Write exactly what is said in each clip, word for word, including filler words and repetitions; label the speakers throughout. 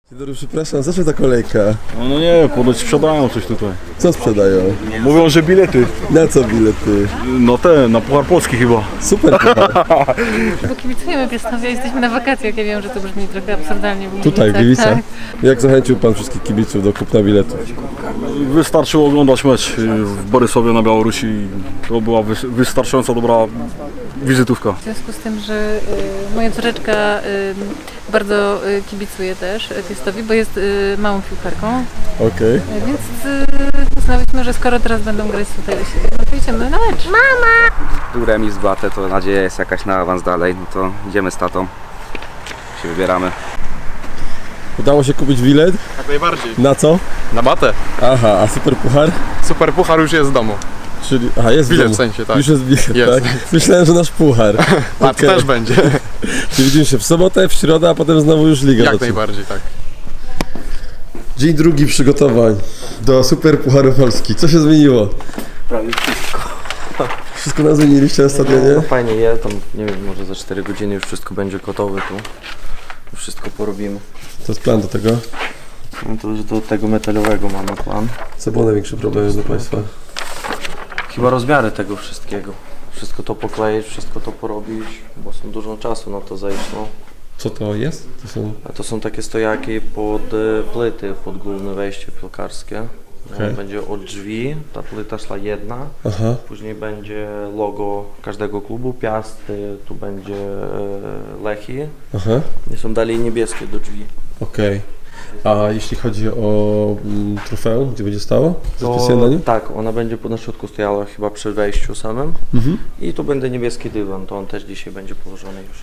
Speaker 1: Dzień dobry, przepraszam, za co ta kolejka?
Speaker 2: No, no nie, ponoć sprzedają coś tutaj.
Speaker 1: Co sprzedają?
Speaker 2: Mówią, że bilety.
Speaker 1: Na co bilety?
Speaker 2: No te, na Puchar Polski chyba.
Speaker 1: Super puchar.
Speaker 3: Bo kibicujemy Piastowie, jesteśmy na wakacjach. Ja wiem, że to brzmi trochę absurdalnie. w
Speaker 1: Tutaj, w
Speaker 3: Gliwicach,
Speaker 1: Gliwicach.
Speaker 3: tak.
Speaker 1: Jak zachęcił pan wszystkich kibiców do kupna biletów?
Speaker 2: Wystarczyło oglądać mecz w Borysowie na Białorusi. To była wy- wystarczająco dobra wizytówka.
Speaker 3: W związku z tym, że y, moja córeczka y, bardzo y, kibicuje też Piastowi, bo jest y, małą piłkarką,
Speaker 1: Okej.
Speaker 3: y, więc y, uznałyśmy, że skoro teraz będą grać tutaj u siebie, no to idziemy na mecz.
Speaker 4: Był remis w Batę, to nadzieja jest jakaś na awans dalej, no to idziemy z tatą, się wybieramy.
Speaker 1: Udało się kupić bilet?
Speaker 5: Jak najbardziej.
Speaker 1: Na co?
Speaker 5: Na batę.
Speaker 1: Aha, a super puchar?
Speaker 5: Super puchar już jest w domu.
Speaker 1: Czyli, aha, jest w
Speaker 5: Bilet
Speaker 1: domu.
Speaker 5: w sensie, tak.
Speaker 1: Już jest bilet,
Speaker 5: Jest.
Speaker 1: tak? Myślałem, że nasz puchar.
Speaker 5: A to
Speaker 1: Okej.
Speaker 5: też będzie.
Speaker 1: Czyli widzimy się w sobotę, w środę, a potem znowu już Liga.
Speaker 5: Jak
Speaker 1: zaczyna.
Speaker 5: najbardziej, tak.
Speaker 1: Dzień drugi przygotowań do Super Pucharu Polski. Co się zmieniło?
Speaker 6: Prawie wszystko.
Speaker 1: Wszystko nam zmieniliście na stadionie?
Speaker 6: No fajnie, je tam, nie wiem, może za cztery godziny już wszystko będzie gotowe tu. Wszystko porobimy.
Speaker 1: To jest plan do tego.
Speaker 6: No to już do tego metalowego mamy plan.
Speaker 1: Co było największy problem dla państwa?
Speaker 6: Chyba rozmiary tego wszystkiego. Wszystko to pokleić, wszystko to porobić, bo są dużo czasu na to zejść, no.
Speaker 1: Co to jest? To są...
Speaker 6: A to są takie stojaki pod e, płyty, pod główne wejście piłkarskie.
Speaker 1: Okej.
Speaker 6: No, będzie od drzwi, ta płyta szła jedna.
Speaker 1: Aha.
Speaker 6: Później będzie logo każdego klubu, Piast, e, tu będzie e, Lechi.
Speaker 1: Aha.
Speaker 6: I są dalej niebieskie do drzwi.
Speaker 1: Okej. A jeśli chodzi o mm, trofeum, gdzie będzie stało?
Speaker 6: To,
Speaker 1: Zapisane na nim?
Speaker 6: tak, ona będzie na środku stojała chyba przy wejściu samym.
Speaker 1: Mhm.
Speaker 6: I tu będzie niebieski dywan, to on też dzisiaj będzie położony już.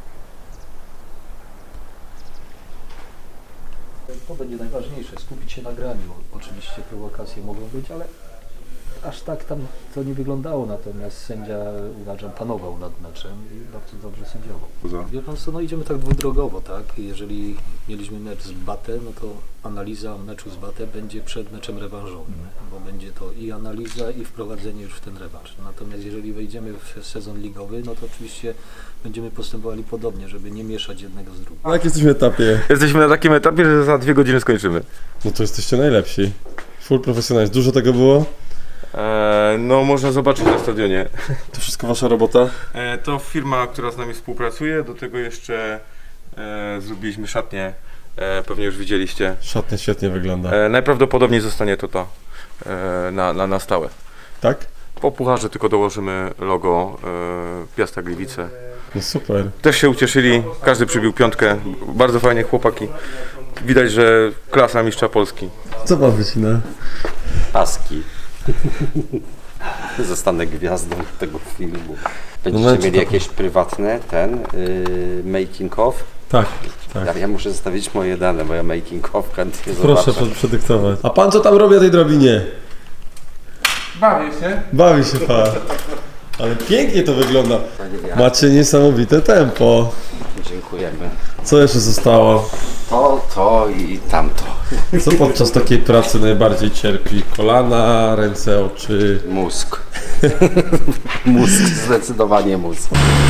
Speaker 7: To będzie najważniejsze, skupić się na graniu. Oczywiście prowokacje mogą być, ale aż tak tam to nie wyglądało, natomiast sędzia, uważam, panował nad meczem i bardzo dobrze sędziował. Wie pan co, no idziemy tak dwudrogowo, tak? Jeżeli mieliśmy mecz z Batę, no to analiza meczu z Batę będzie przed meczem rewanżowym, bo będzie to i analiza, i wprowadzenie już w ten rewanż. Natomiast jeżeli wejdziemy w sezon ligowy, no to oczywiście będziemy postępowali podobnie, żeby nie mieszać jednego z drugim.
Speaker 1: Na jakim jesteśmy etapie?
Speaker 8: Jesteśmy na takim etapie, że za dwie godziny skończymy.
Speaker 1: No to jesteście najlepsi. Full profesjonalizm. Dużo tego było?
Speaker 8: Eee, no można zobaczyć na stadionie.
Speaker 1: To wszystko wasza robota?
Speaker 8: Eee, to firma, która z nami współpracuje, do tego jeszcze e, zrobiliśmy szatnię, e, pewnie już widzieliście.
Speaker 1: Szatnia świetnie wygląda.
Speaker 8: E, najprawdopodobniej zostanie to to e, na, na, na stałe.
Speaker 1: Tak?
Speaker 8: Po pucharze tylko dołożymy logo e, Piasta Gliwice.
Speaker 1: No super.
Speaker 8: Też się ucieszyli, każdy przybił piątkę, bardzo fajnie chłopaki. Widać, że klasa mistrza Polski.
Speaker 1: Co pan wycina?
Speaker 9: Paski. Zostanę gwiazdą tego filmu. Będziecie
Speaker 1: No,
Speaker 9: mieli
Speaker 1: to-
Speaker 9: jakieś prywatne, ten, yy, making of?
Speaker 1: Tak, tak.
Speaker 9: Ja, ja muszę zostawić moje dane, bo ja making of chętnie
Speaker 1: Proszę
Speaker 9: zobaczę.
Speaker 1: przed- przedyktować. A pan co tam robi na tej drabinie?
Speaker 5: Bawię się.
Speaker 1: Bawi się pan. Ale pięknie to wygląda. Macie niesamowite tempo.
Speaker 9: Dziękujemy.
Speaker 1: Co jeszcze zostało?
Speaker 9: To, to i tamto.
Speaker 1: Co podczas takiej pracy najbardziej cierpi? Kolana, ręce, oczy?
Speaker 9: Mózg. Mózg, zdecydowanie mózg.